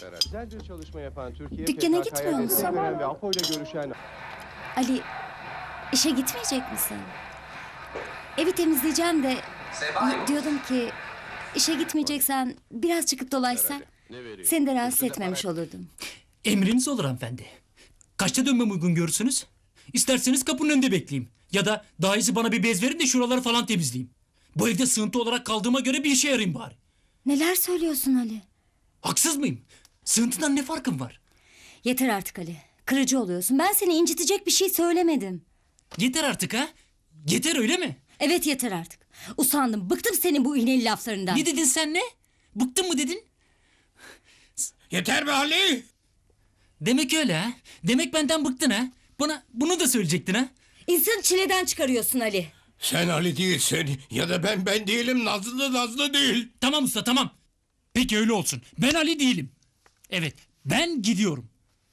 Güzel bir çalışma yapan Türkiye Dükkana PKK'ya gitmiyor musun? destek veren ve APO ile görüşen Ali, işe gitmeyecek misin? Evi temizleyeceğim de diyordum ki işe gitmeyeceksen biraz çıkıp dolaşsak seni de rahatsız etmemiş olurdum. Emriniz olur hanımefendi. Kaçta dönmem uygun görürsünüz? İsterseniz kapının önünde bekleyeyim. Ya da daha iyisi bana bir bez verin de şuraları falan temizleyeyim. Bu evde sığıntı olarak kaldığıma göre bir işe yarayayım bari. Neler söylüyorsun Ali? Haksız mıyım? Sığıntıdan ne farkım var? Yeter artık Ali. Kırıcı oluyorsun. Ben seni incitecek bir şey söylemedim. Yeter artık ha? Yeter öyle mi? Evet yeter artık. Usandım. Bıktım senin bu iğneli laflarından. Ne dedin sen ne? Bıktın mı dedin? Yeter be Ali! Demek öyle ha? Demek benden bıktın ha? Bana bunu da söyleyecektin ha? İnsanı çileden çıkarıyorsun Ali. Sen Ali değilsin ya da ben değilim, Nazlı da Nazlı değil. Tamam usta tamam. Peki öyle olsun. Ben Ali değilim. Evet ben gidiyorum.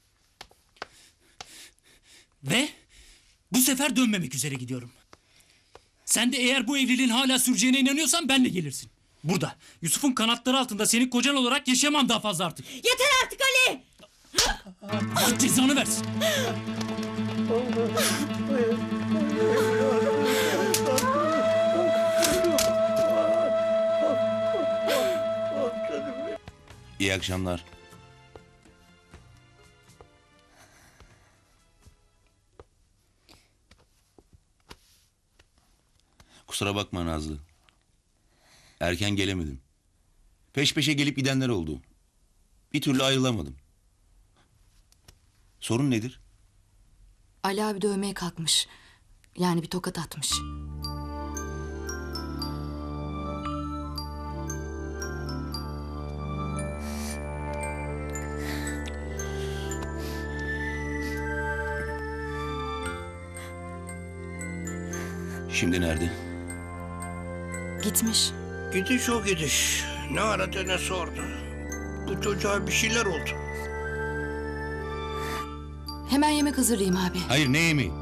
Ve bu sefer dönmemek üzere gidiyorum. Sen de eğer bu evliliğin hala süreceğine inanıyorsan benle gelirsin. Burada Yusuf'un kanatları altında senin kocan olarak yaşayamam daha fazla artık. Yeter artık Ali. Allah cezanı versin. İyi akşamlar. Kusura bakma Nazlı. Erken gelemedim. Peş peşe gelip gidenler oldu. Bir türlü ayrılamadım. Sorun nedir? Ali abi dövmeye kalkmış. Yani bir tokat atmış. Şimdi nerede? Gitmiş. Gidiş o gidiş. Ne aradı ne sordu. Bu çocuğa bir şeyler oldu. Hemen yemek hazırlayayım abi. Hayır, ne yemeği?